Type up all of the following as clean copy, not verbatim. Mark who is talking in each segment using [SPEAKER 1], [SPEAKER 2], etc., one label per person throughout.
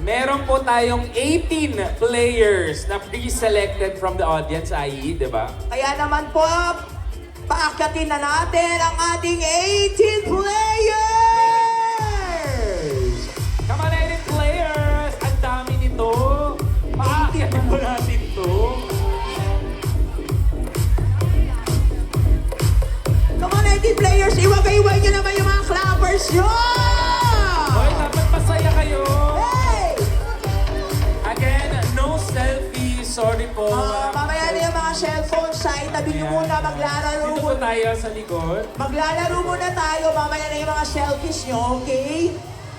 [SPEAKER 1] Meron po tayong 18 players na pre-selected from the audience, i.e., di ba?
[SPEAKER 2] Kaya naman po, paakyatin na natin ang ating 18 players!
[SPEAKER 1] Come on, 18 players! Ang dami nito! Paakyatin po natin to.
[SPEAKER 2] Come on, 18 players! Iwagay-iway nyo naman yung mga clappers nyo!
[SPEAKER 1] Hoy, dapat masaya kayo!
[SPEAKER 2] Hey!
[SPEAKER 1] Again, no selfie. Sorry po.
[SPEAKER 2] Mamaya na yung mga cellphone sa itabi nyo muna, maglalaro
[SPEAKER 1] Dito po tayo sa likod.
[SPEAKER 2] Maglalaro muna tayo, mamaya na yung mga selfies nyo, okay?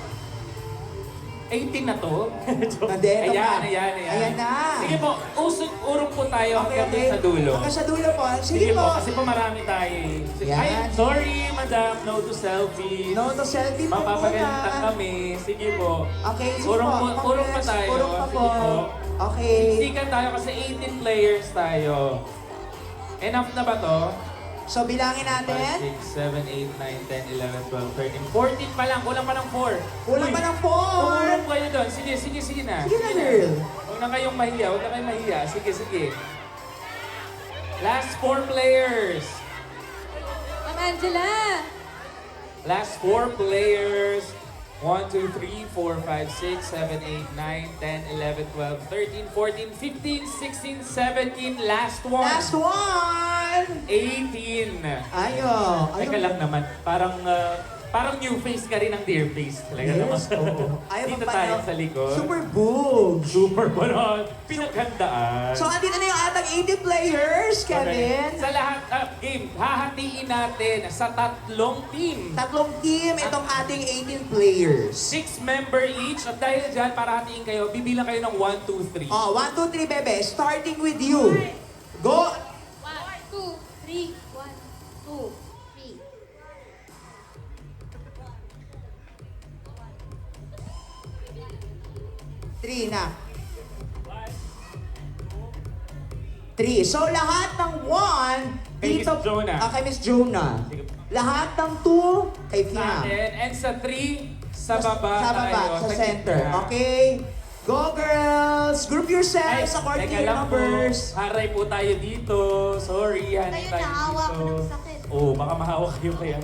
[SPEAKER 1] 18 na to.
[SPEAKER 2] Hindi, ito
[SPEAKER 1] Ayan,
[SPEAKER 2] pa.
[SPEAKER 1] ayan.
[SPEAKER 2] Ayan na.
[SPEAKER 1] Sige po, urong po tayo hanggang sa dulo.
[SPEAKER 2] Hanggang sa dulo po.
[SPEAKER 1] Sige po, kasi po marami tayo eh.
[SPEAKER 2] Yan.
[SPEAKER 1] Ay, sorry, madam, no to selfie.
[SPEAKER 2] No, to selfie po
[SPEAKER 1] Mapapagalitan
[SPEAKER 2] muna.
[SPEAKER 1] kami. Sige po.
[SPEAKER 2] Okay, sige
[SPEAKER 1] Urong
[SPEAKER 2] po.
[SPEAKER 1] po, urong pa tayo.
[SPEAKER 2] Urong pa po.
[SPEAKER 1] Sige po.
[SPEAKER 2] Okay.
[SPEAKER 1] Siksikan tayo kasi 18 players tayo. Enough na ba to?
[SPEAKER 2] So, bilangin
[SPEAKER 1] 5,
[SPEAKER 2] natin.
[SPEAKER 1] 6, 7, 8, 9, 10, 11, 12, 13, 14 pa lang. Kulang pa ng 4.
[SPEAKER 2] Kulang pa ng 4.
[SPEAKER 1] Tumulong kayo doon. Sige na.
[SPEAKER 2] Sige na, girl.
[SPEAKER 1] Huwag na kayong mahiya. Sige. Last 4 players.
[SPEAKER 3] Ma'am Angela!
[SPEAKER 1] Last 4 players. 1, 2, 3, 4, 5, 6, 7, 8, 9, 10, 11, 12, 13, 14, 15, 16, 17. Last one.
[SPEAKER 2] Last one.
[SPEAKER 1] 18.
[SPEAKER 2] Ayo.
[SPEAKER 1] Teka lang naman. Parang new face ka rin ng dear face. Talaga naman.
[SPEAKER 2] Yes, oo. Ayaw
[SPEAKER 1] Dito
[SPEAKER 2] mo pa,
[SPEAKER 1] tayo
[SPEAKER 2] no?
[SPEAKER 1] sa likod.
[SPEAKER 2] Super boobs.
[SPEAKER 1] Super bonon. Pinaghandaan.
[SPEAKER 2] So, andito na yung atang 80 players, Kevin.
[SPEAKER 1] Sa lahat, game, hahatiin natin sa 3 team.
[SPEAKER 2] Tatlong team itong ating 18 players.
[SPEAKER 1] 6 member each. At dahil dyan, para hatiin kayo, bibilang kayo ng 1, 2, 3.
[SPEAKER 2] Oh, 1, 2, 3, bebe. Starting with you. Go.
[SPEAKER 3] 1, 2, 3. 1, 2, 3.
[SPEAKER 2] 3 na. 3. So, lahat ng 1
[SPEAKER 1] Kay Miss Jonah.
[SPEAKER 2] Kay Miss Jonah.
[SPEAKER 1] Sige.
[SPEAKER 2] Lahat ng 2 kay
[SPEAKER 1] Sa
[SPEAKER 2] Fina.
[SPEAKER 1] akin. And sa 3, sa baba
[SPEAKER 2] Sa baba,
[SPEAKER 1] tayo,
[SPEAKER 2] sa center.
[SPEAKER 1] gitna.
[SPEAKER 2] Okay. Go, girls! Group yourselves according to
[SPEAKER 1] teka
[SPEAKER 2] your
[SPEAKER 1] lang po.
[SPEAKER 2] numbers.
[SPEAKER 1] Haray po tayo dito. Sorry, hanay
[SPEAKER 3] Tayo
[SPEAKER 1] tayo
[SPEAKER 3] nahawa
[SPEAKER 1] dito.
[SPEAKER 3] ko ng sakit.
[SPEAKER 1] Oo, baka mahawa kayo kaya.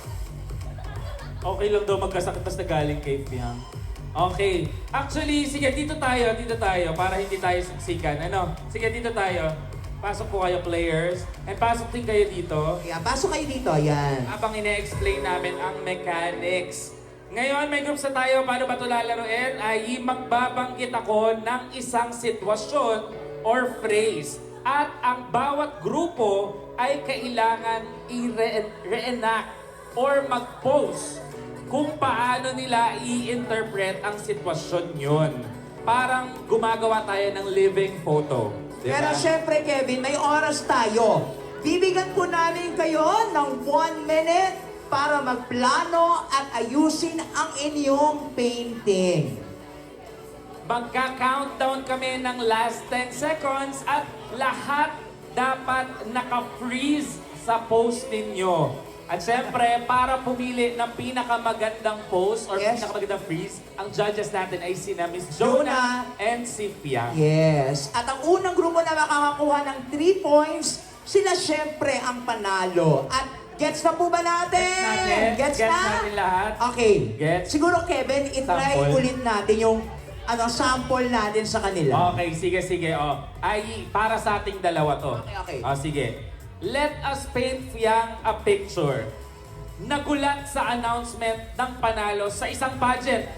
[SPEAKER 1] Okay lang daw magkasakit basta galing kay Fiang. Okay. Actually, sige, dito tayo, para hindi tayo siksikan. Ano? Sige, dito tayo. Pasok po kayo, players. And pasok din kayo dito.
[SPEAKER 2] Ayan, pasok kayo dito. Ayan.
[SPEAKER 1] Habang ine-explain namin ang mechanics. Ngayon, may groups na tayo. Paano ba ito lalaroin? Ay magbabanggit ako ng isang sitwasyon or phrase. At ang bawat grupo ay kailangan i-reenact or mag-pose kung paano nila i-interpret ang sitwasyon yun. Parang gumagawa tayo ng living photo. Diba?
[SPEAKER 2] Pero syempre, Kevin, may oras tayo. Bibigyan po namin kayo ng 1 minute para magplano at ayusin ang inyong painting.
[SPEAKER 1] Magka-countdown kami ng last 10 seconds at lahat dapat naka-freeze sa pose ninyo. At syempre, para pumili ng pinakamagandang pose or
[SPEAKER 2] Yes.
[SPEAKER 1] pinakamagandang freeze, ang judges natin ay sina Miss Jonah and si Fiang.
[SPEAKER 2] Yes. At ang unang grupo na makakakuha ng 3 points, sila syempre ang panalo. At gets na po ba natin?
[SPEAKER 1] Gets natin lahat.
[SPEAKER 2] Okay.
[SPEAKER 1] Gets.
[SPEAKER 2] Siguro, Kevin, itry
[SPEAKER 1] Sample.
[SPEAKER 2] ulit natin yung sample natin sa kanila.
[SPEAKER 1] Okay, sige. Oh. Ay, para sa ating dalawa to.
[SPEAKER 2] Okay.
[SPEAKER 1] Oh, sige. Let us paint Fiang a picture. Nagulat sa announcement ng panalo sa isang pageant.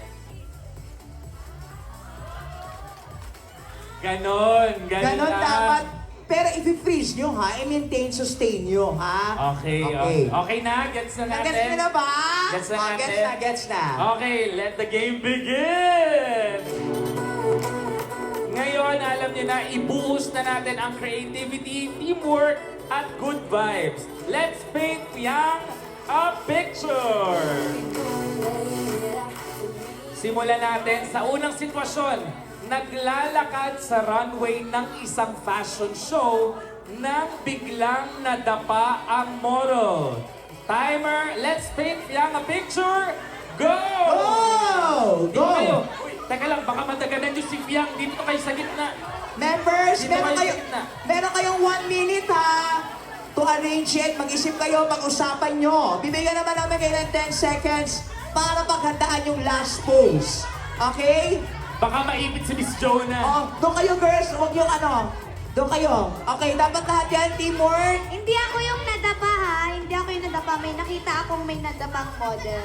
[SPEAKER 1] Ganon
[SPEAKER 2] Ganon
[SPEAKER 1] lang.
[SPEAKER 2] dapat. Pero i-freeze nyo ha, i-maintain, sustain nyo ha.
[SPEAKER 1] Okay. Okay na? Gets na natin?
[SPEAKER 2] Gets nyo na ba?
[SPEAKER 1] Gets na
[SPEAKER 2] Oh,
[SPEAKER 1] natin?
[SPEAKER 2] Gets na.
[SPEAKER 1] Okay, let the game begin! Ngayon, alam niyo na, ibuhos na natin ang creativity, teamwork, at good vibes. Let's paint Fiang a picture! Simulan natin sa unang sitwasyon. Naglalakad sa runway ng isang fashion show nang biglang nadapa ang model. Timer, let's paint Fiang a picture. Go!
[SPEAKER 2] Go!
[SPEAKER 1] Dito kayo. Uy, teka lang, baka Fiang, dito kayo sa gitna.
[SPEAKER 2] Members,
[SPEAKER 1] Dito kayo sa gitna.
[SPEAKER 2] meron kayong 1 minute ha to arrange it. Mag-isip kayo, pag-usapan nyo. Bibigyan naman namin kayo ng 10 seconds para paghandaan yung last pose. Okay?
[SPEAKER 1] Baka maipit si Miss Jonah.
[SPEAKER 2] Oh, doon kayo girls, huwag yung ano. Doon kayo. Okay, dapat lahat yan, teamwork.
[SPEAKER 3] Hindi ako yung nadapa ha. Hindi ako yung nadapa. May nakita akong may nadapang model.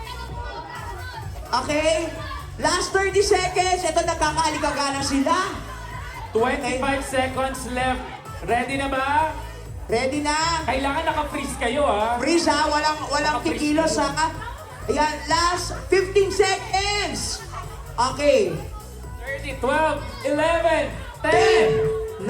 [SPEAKER 2] Okay? Last 30 seconds. Ito, nagkakaaligagana sila.
[SPEAKER 1] 25 seconds left. Ready na ba?
[SPEAKER 2] Ready na?
[SPEAKER 1] Kailangan naka-freeze kayo, ha?
[SPEAKER 2] Freeze ha, walang kikilos ha. Ayan, last 15 seconds. Okay.
[SPEAKER 1] 30, 12, 11,
[SPEAKER 2] 10,
[SPEAKER 1] 10.
[SPEAKER 2] 9,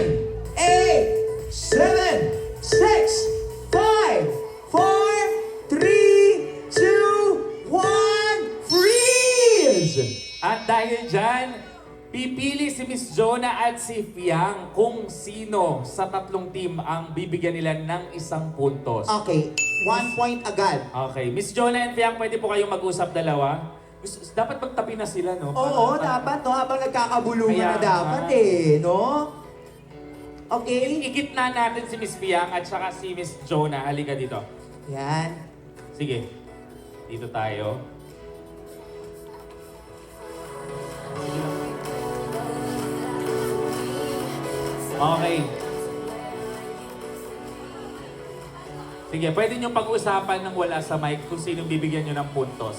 [SPEAKER 2] 8, 7, 6, 5, 4, 3, 2, 1, freeze!
[SPEAKER 1] At dahil dyan, pipili si Miss Jonah at si Fiang kung sino sa tatlong team ang bibigyan nila ng isang puntos.
[SPEAKER 2] Okay, 1 point agad.
[SPEAKER 1] Okay, Miss Jonah and Fiang, pwede po kayong mag-usap dalawa? Dapat magtabi na sila, no?
[SPEAKER 2] Oo, dapat no, habang nagkakabulungan na
[SPEAKER 1] Kaya
[SPEAKER 2] dapat
[SPEAKER 1] nga.
[SPEAKER 2] no? Okay?
[SPEAKER 1] Igitna natin si Miss Fiang at saka si Miss Jonah. Halika dito.
[SPEAKER 2] Yan.
[SPEAKER 1] Sige, dito tayo. Okay. Sige, pwede nyo pag-usapan ng wala sa mic kung sinong bibigyan nyo ng puntos.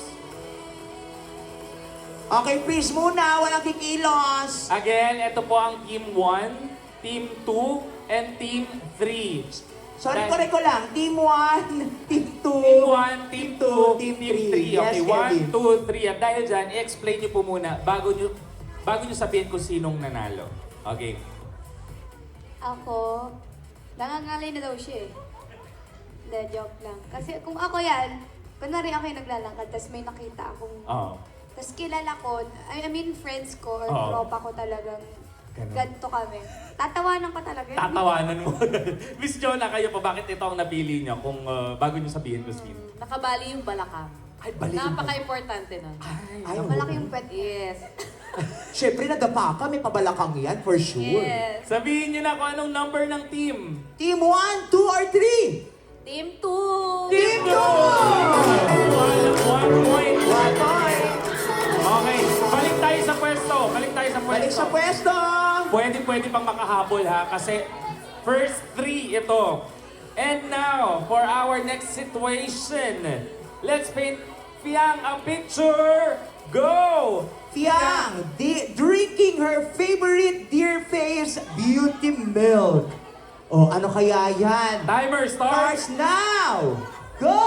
[SPEAKER 2] Okay, freeze muna, walang kikilos.
[SPEAKER 1] Again, ito po ang Team 1, Team 2, and Team 3.
[SPEAKER 2] Sorry, correct ko lang. Team 1, Team 2.
[SPEAKER 1] Team 1, Team 2,
[SPEAKER 2] Team
[SPEAKER 1] Team
[SPEAKER 2] 3.
[SPEAKER 1] 3.
[SPEAKER 2] Yes,
[SPEAKER 1] Okay,
[SPEAKER 2] Kevin.
[SPEAKER 1] 1, 2, 3. At dahil dyan, i-explain nyo po muna bago nyo sabihin kung sinong nanalo. Okay.
[SPEAKER 3] Ako, nangangalay na daw siya eh. Hindi, joke lang. Kasi kung ako yan, kunwari ako yung naglalakad, tapos may nakita akong...
[SPEAKER 1] Oo.
[SPEAKER 3] Tapos kilala ko, I mean friends ko or
[SPEAKER 1] Oo.
[SPEAKER 3] tropa ko talagang
[SPEAKER 1] Ganun.
[SPEAKER 3] ganito kami. Tatawanan ko talaga.
[SPEAKER 1] Tatawanan mo. Miss Jonah, kayo pa, bakit ito ang napili nyo kung bago nyo sabihin kung sino?
[SPEAKER 4] Nakabali yung balakang.
[SPEAKER 2] Ay, balik.
[SPEAKER 4] Napaka-importante nun.
[SPEAKER 2] Ay,
[SPEAKER 3] Malaki yung pet.
[SPEAKER 4] Yes.
[SPEAKER 2] Siyempre, nadapa ka. May pabalakang yan, for sure.
[SPEAKER 3] Yes.
[SPEAKER 1] Sabihin nyo na kung anong number ng team.
[SPEAKER 2] Team 1, 2, or 3?
[SPEAKER 4] Team 2!
[SPEAKER 2] Team 2!
[SPEAKER 1] One point.
[SPEAKER 2] 1 point.
[SPEAKER 1] Okay, balik tayo sa pwesto. Balik tayo sa pwesto.
[SPEAKER 2] Balik sa pwesto.
[SPEAKER 1] Pwede pang makahabol ha, kasi first 3 ito. And now, for our next situation, let's paint Fiang a picture. Go!
[SPEAKER 2] Fiang, drinking her favorite Dear Face Beauty Milk. Oh, ano kaya yan?
[SPEAKER 1] Timer starts.
[SPEAKER 2] Starts now! Go!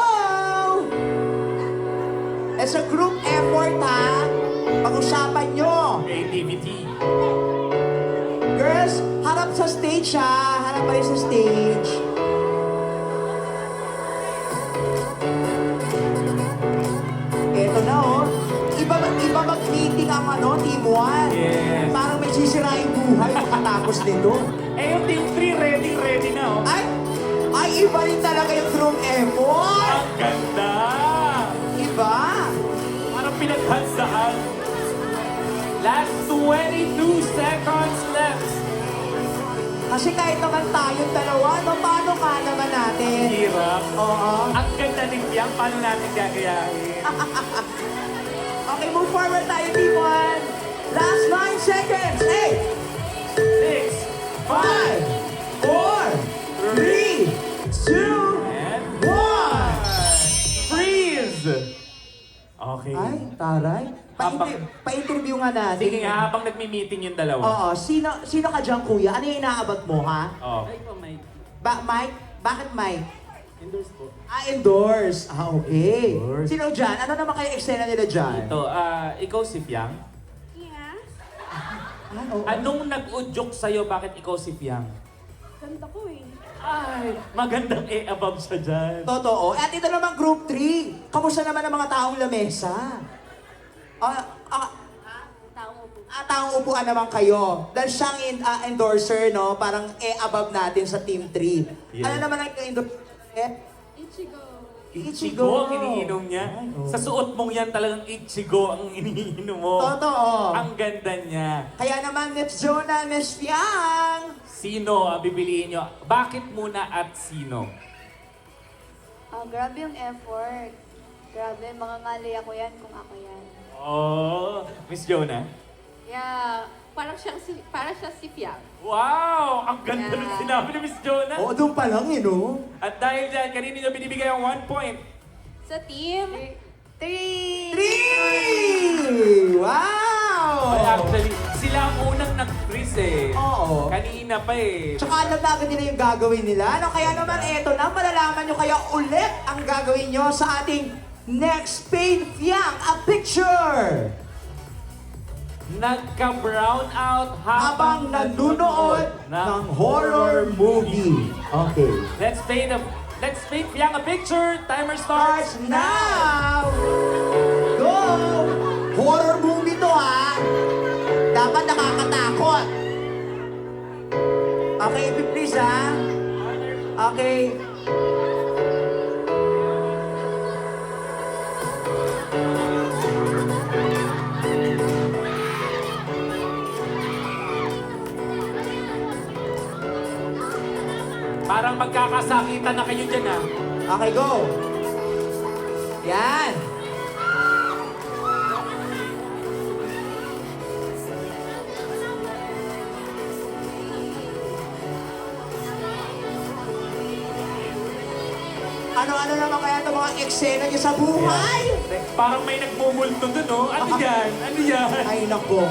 [SPEAKER 2] It's a group effort, ha? Pag-usapan nyo.
[SPEAKER 1] Creativity.
[SPEAKER 2] Girls, harap sa stage, ha? Harap kayo sa stage. Eto na, oh. Iba mag-meeting ang ano, Team 1.
[SPEAKER 1] Yes.
[SPEAKER 2] Parang may sisiraing buhay pagkatapos nito.
[SPEAKER 1] Eh, yung team 3 ready na oh.
[SPEAKER 2] Ay, iba rin talaga yung group effort.
[SPEAKER 1] Ang ganda!
[SPEAKER 2] Iba.
[SPEAKER 1] Parang pinaghansaan. Last 22 seconds left.
[SPEAKER 2] Kasi kahit naman tayong dalawa, no, paano ka naman natin?
[SPEAKER 1] Hirap.
[SPEAKER 2] Oo.
[SPEAKER 1] Ang ganda ni Fiang, paano natin gagayahin?
[SPEAKER 2] Okay, move forward tayo, Team 1. Last 9 seconds. 8,
[SPEAKER 1] 6,
[SPEAKER 2] 5, 4, 3, 2,
[SPEAKER 1] and
[SPEAKER 2] 1.
[SPEAKER 1] freeze! Okay.
[SPEAKER 2] Ay, taray. Pa-interview nga natin.
[SPEAKER 1] Sige nga, habang nagmi-meeting yung dalawa.
[SPEAKER 2] Oo, sino ka dyan, kuya? Ano yung inaabot mo, ha?
[SPEAKER 1] Oh.
[SPEAKER 2] Mike? Bakit Mike?
[SPEAKER 1] Endorse po.
[SPEAKER 2] Endorse. Okay.
[SPEAKER 1] Endorse.
[SPEAKER 2] Sino dyan? Ano naman kayo eksena nila dyan?
[SPEAKER 1] Ito, ikaw si Fiang.
[SPEAKER 3] Yeah.
[SPEAKER 2] Oo.
[SPEAKER 1] Anong nag-udyok sa'yo bakit ikaw si Fiang?
[SPEAKER 3] Ganda ko eh.
[SPEAKER 1] Ay, magandang above siya dyan.
[SPEAKER 2] Totoo. At ito naman group 3. Kamusta naman ang mga taong lamesa? Taong upuan naman kayo. Dahil siyang endorser, no? Parang above natin sa team 3.
[SPEAKER 1] Yeah.
[SPEAKER 2] Ano naman ang endorser?
[SPEAKER 3] Ichigo.
[SPEAKER 1] Ichigo ang iniinom niya. Sa suot mong yan talagang Ichigo ang iniinom mo.
[SPEAKER 2] Totoo.
[SPEAKER 1] Ang ganda niya.
[SPEAKER 2] Kaya naman, Miss Jonah, Miss Fiang.
[SPEAKER 1] Sino ang bibiliin nyo? Bakit muna at sino?
[SPEAKER 3] Grabe yung effort. Grabe, mangangali ako yan kung ako yan.
[SPEAKER 1] Oh, Miss Jonah.
[SPEAKER 4] Yeah, parang siya si Fiang.
[SPEAKER 1] Wow! Ang ganda ng
[SPEAKER 4] Yeah.
[SPEAKER 1] sinabi ni Miss Jonah.
[SPEAKER 2] Oo, doon pa lang no?
[SPEAKER 1] At dahil dyan, kanino nyo binibigay ang 1 point?
[SPEAKER 4] Sa team,
[SPEAKER 3] 3!
[SPEAKER 2] 3! Wow!
[SPEAKER 1] Well, actually, sila ang unang nag-freeze eh.
[SPEAKER 2] Oo.
[SPEAKER 1] Kanina pa eh.
[SPEAKER 2] Tsaka alam na agad nila yung gagawin nila. No? Kaya naman, eto na, malalaman nyo kaya ulit ang gagawin nyo sa ating next Pain Fiang, a picture!
[SPEAKER 1] Nagka-brown out
[SPEAKER 2] Habang nanunood ng horror movie. Okay.
[SPEAKER 1] Let's paint Fiang a picture. Timer starts
[SPEAKER 2] Starts now! Go! Horror movie to ha! Dapat nakakatakot. Okay, please ha? Okay.
[SPEAKER 1] Parang magkakasakitan na kayo dyan ah.
[SPEAKER 2] Okay, go! Yan! Ano-ano naman kaya itong mga eksena niyo sa buhay?
[SPEAKER 1] Parang may nagmumulto dun oh. Ano yan? Ano yan?
[SPEAKER 2] Ay, nako.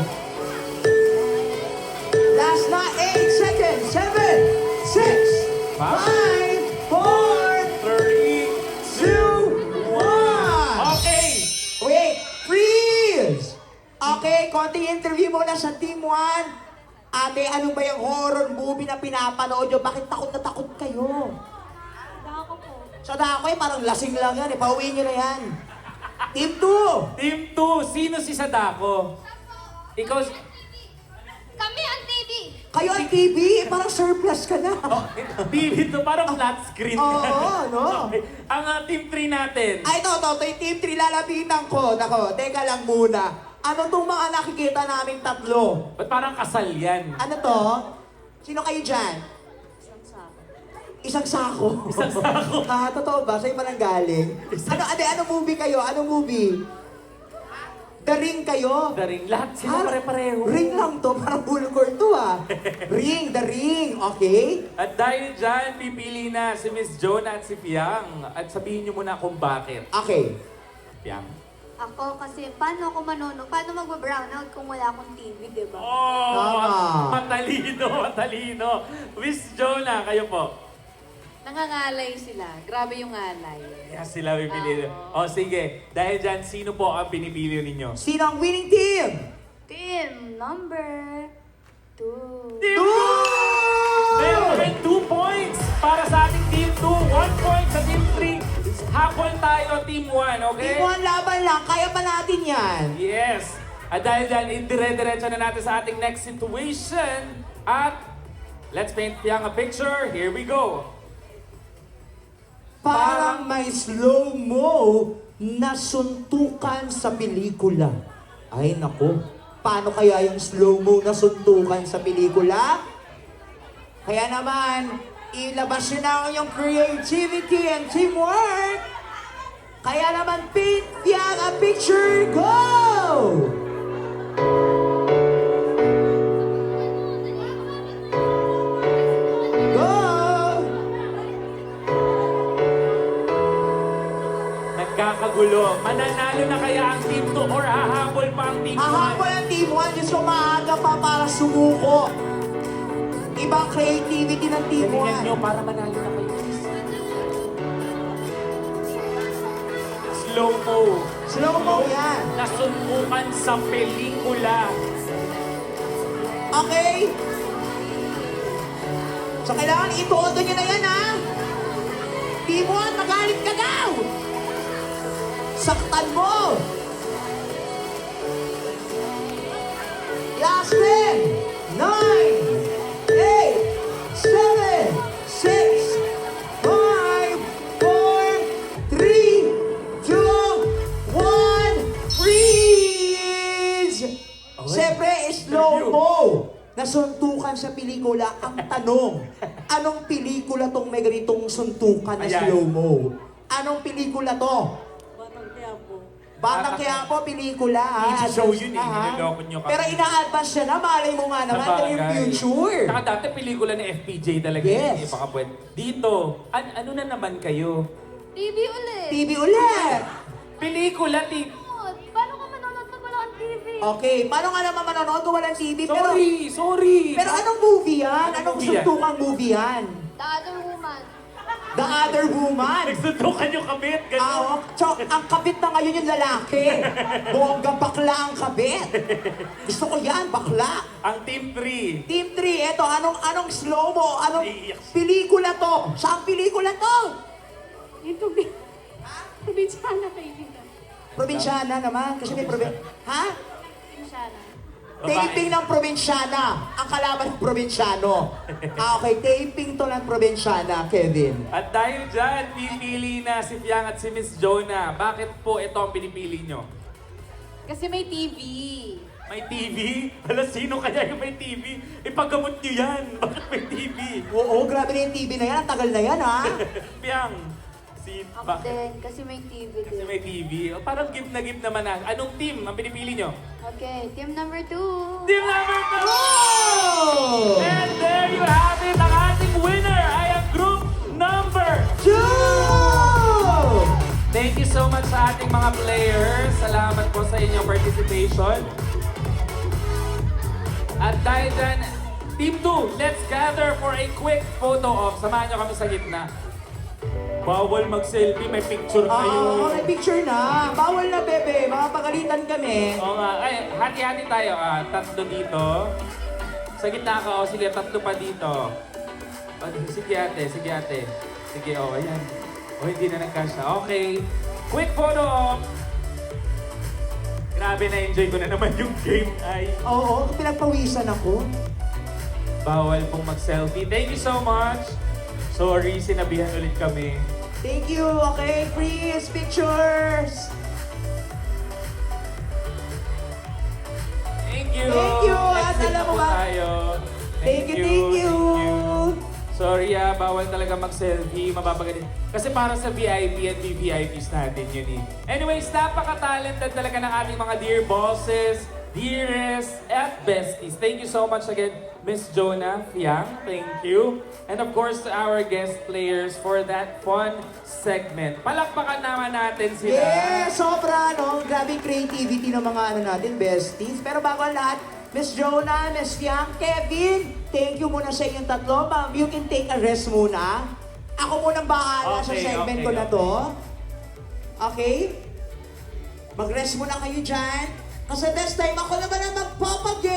[SPEAKER 2] Last na 8 seconds. 7, 6, 5, 4,
[SPEAKER 1] 3,
[SPEAKER 2] 2, 1.
[SPEAKER 1] Okay!
[SPEAKER 2] Wait, freeze! Okay, konting interview muna sa Team 1. Ate, ano ba yung horror movie na pinapanood nyo? Bakit takot na takot kayo?
[SPEAKER 3] Dako po.
[SPEAKER 2] Sa Dakoy, parang lasing lang yan. Pauwiin nyo na yan. Team 2!
[SPEAKER 1] Team 2, sino si Sadako? Ikaw,
[SPEAKER 3] Kami ang TV!
[SPEAKER 2] Kayo ang TV, parang surplus ka na.
[SPEAKER 1] TV to, parang flat screen.
[SPEAKER 2] Oo, no?
[SPEAKER 1] Okay. Ang Team 3 natin.
[SPEAKER 2] Ay, ito, yung Team 3 lalapitan ko. Nako, teka lang muna. Ano tong mga nakikita naming tatlo?
[SPEAKER 1] Ba't parang kasal yan?
[SPEAKER 2] Ano to? Sino kayo dyan? Isang sako.
[SPEAKER 1] Isang sako.
[SPEAKER 2] Ha, totoo ba? Sa'yo pa nang galing? Ano movie kayo? Anong movie? The Ring kayo?
[SPEAKER 1] The Ring. Lahat sila
[SPEAKER 2] Ah,
[SPEAKER 1] pare-pareho.
[SPEAKER 2] Ring lang to, parang bulgor to ah. Ring, The Ring, okay?
[SPEAKER 1] At dahil dyan, pipili na si Miss Jonah at si Fiang. At sabihin niyo muna kung bakit.
[SPEAKER 2] Okay.
[SPEAKER 1] Fiang.
[SPEAKER 3] Ako kasi, paano ako manonood? Paano mag-brownout kung wala akong TV, di ba?
[SPEAKER 1] Oh,
[SPEAKER 2] Tama.
[SPEAKER 1] matalino. Miss Jonah, kayo po.
[SPEAKER 4] nangangalay sila. Grabe yung ngalay.
[SPEAKER 1] Kaya sila pipili. O sige, dahil dyan, sino po ang pinipili ninyo?
[SPEAKER 2] Sino ang winning team?
[SPEAKER 3] Team number 2.
[SPEAKER 1] Team 2! Meron kami 2 points para sa ating Team 2. 1 point sa Team 3. Habol tayo, Team 1, okay?
[SPEAKER 2] Team 1 laban lang, kaya pa natin yan.
[SPEAKER 1] Yes. At dahil dyan, dire-diretso na natin sa ating next situation. At let's paint Fiang a picture. Here we go.
[SPEAKER 2] Parang may slow-mo na suntukan sa pelikula. Ay nako, paano kaya yung slow-mo na suntukan sa pelikula? Kaya naman, ilabas nyo na ang inyong creativity and teamwork. Kaya naman, paint Fiang a picture, go! Go!
[SPEAKER 1] Nagkakagulo. Mananalo na kaya ang Team 2 or hahabol pa ang Team 1?
[SPEAKER 2] Hahabol ang Team 1, Diyos ko maaga pa para sumuko. Ibang creativity ng Team
[SPEAKER 1] Galingan nyo
[SPEAKER 2] 1.
[SPEAKER 1] para manalo na kayo. Slow-mo.
[SPEAKER 2] Slow-mo yan.
[SPEAKER 1] Nasuntukan sa pelikula.
[SPEAKER 2] Okay? So kailangan ituodo nyo na yan, ha? Team 1, magalit ka daw! Saktan mo! Last 10, 9, 8, 7, 6, 5, 4, 3, Siyempre, slow-mo na suntukan sa pelikula. Ang tanong, anong pelikula tong may ganitong suntukan na
[SPEAKER 1] Ayan.
[SPEAKER 2] slow-mo? Anong pelikula to? Batang Quiapo, pelikula ha.
[SPEAKER 1] Easy show yun eh,
[SPEAKER 2] Ha?
[SPEAKER 1] niloloko nyo kami.
[SPEAKER 2] Pero ina-advance siya na, malay mo nga naman, ito yung future.
[SPEAKER 1] Saka dati pelikula ni FPJ talaga
[SPEAKER 2] Yes.
[SPEAKER 1] yun. Baka pwede. Dito, ano na naman kayo?
[SPEAKER 3] TV ulit.
[SPEAKER 2] TV ulit.
[SPEAKER 1] Pelikula,
[SPEAKER 3] Paano ka manonood pag wala kang TV?
[SPEAKER 2] Okay, paano nga naman manonood kung walang TV?
[SPEAKER 1] Sorry.
[SPEAKER 2] Pero anong movie yan?
[SPEAKER 1] Anong
[SPEAKER 2] Anong
[SPEAKER 1] movie yan?
[SPEAKER 2] suntukang movie yan?
[SPEAKER 3] The Other Woman.
[SPEAKER 2] The Other Woman.
[SPEAKER 1] Nagsuntukan yung kabit,
[SPEAKER 2] Ah, so, ang kabit na ngayon yung lalaki. Bongga bakla ang kabit. Gusto ko yan, bakla.
[SPEAKER 1] Ang Team 3.
[SPEAKER 2] Team 3, eto, anong slow-mo? Anong
[SPEAKER 1] Iiyak.
[SPEAKER 2] pelikula to? Saan pelikula to?
[SPEAKER 3] Yung Probinsyana kaibigan.
[SPEAKER 2] Probinsyana naman, kasi may Ha?
[SPEAKER 3] Probinsyana.
[SPEAKER 2] Taping ng probinsyana. Ang kalaban ng probinsyano. Okay, taping to ng probinsyana, Kevin.
[SPEAKER 1] At dahil dyan, pipili na si Fiang at si Miss Jonah. Bakit po ito ang pinipili nyo?
[SPEAKER 4] Kasi may TV.
[SPEAKER 1] May TV? Hala, sino kaya yung may TV? Ipagamot nyo yan. Bakit may TV?
[SPEAKER 2] Oo, grabe na yung TV na yan. Ang tagal na yan, ha?
[SPEAKER 1] Fiang,
[SPEAKER 3] Ako din, kasi may TV
[SPEAKER 1] Kasi
[SPEAKER 3] din.
[SPEAKER 1] may TV. O, parang gift na gift naman na. Anong team ang pinipili nyo?
[SPEAKER 3] Okay, team number 2.
[SPEAKER 1] Team number 2!
[SPEAKER 2] Oh!
[SPEAKER 1] And there you have it! Ang ating winner ay ang group number
[SPEAKER 2] 2!
[SPEAKER 1] Thank you so much sa ating mga players. Salamat po sa inyong participation. At dahil dyan, Team 2, let's gather for a quick photo op. Samahan nyo kami sa gitna. Bawal mag-selfie, may picture kayo.
[SPEAKER 2] May picture na. Bawal na, bebe. Mapagalitan kami.
[SPEAKER 1] Oo nga. Ay, hati-hati tayo. Tatlo dito. Sa gitna ka. O, sige, tatlo pa dito. Sige ate, sige ate. Sige, ayan. O, hindi na nagkasya. Okay. Quick photo op. Grabe, na-enjoy ko na naman yung game ay.
[SPEAKER 2] Oo, pinagpawisan ako.
[SPEAKER 1] Bawal pong mag-selfie. Thank you so much. Sorry, sinabihan ulit kami.
[SPEAKER 2] Thank you. Okay, please, pictures.
[SPEAKER 1] Thank you.
[SPEAKER 2] Thank you. At
[SPEAKER 1] Next
[SPEAKER 2] alam
[SPEAKER 1] na
[SPEAKER 2] mo
[SPEAKER 1] po
[SPEAKER 2] ba-
[SPEAKER 1] tayo.
[SPEAKER 2] Thank you.
[SPEAKER 1] Sorry bawal talaga mag-selfie, mapapagalit. Kasi para sa VIP at VVIPs natin yun eh. Anyways, napaka-talented talaga ng ating mga dear bosses, dearest, at besties. Thank you so much again, Miss Jonah, Fiang. Thank you. And of course, to our guest players for that fun segment. Palakpakan naman natin sila.
[SPEAKER 2] Yes, sobra, no? Grabe yung creativity ng mga natin, besties. Pero bago ang lahat, Miss Jonah, Miss Fiang, Kevin, thank you muna sa inyong tatlo. Ma'am, you can take a rest muna. Ako munang bahala sa
[SPEAKER 1] Okay,
[SPEAKER 2] segment
[SPEAKER 1] okay,
[SPEAKER 2] ko na to. Okay? Mag-rest muna kayo dyan. Kasi this time ako naman ang magpapag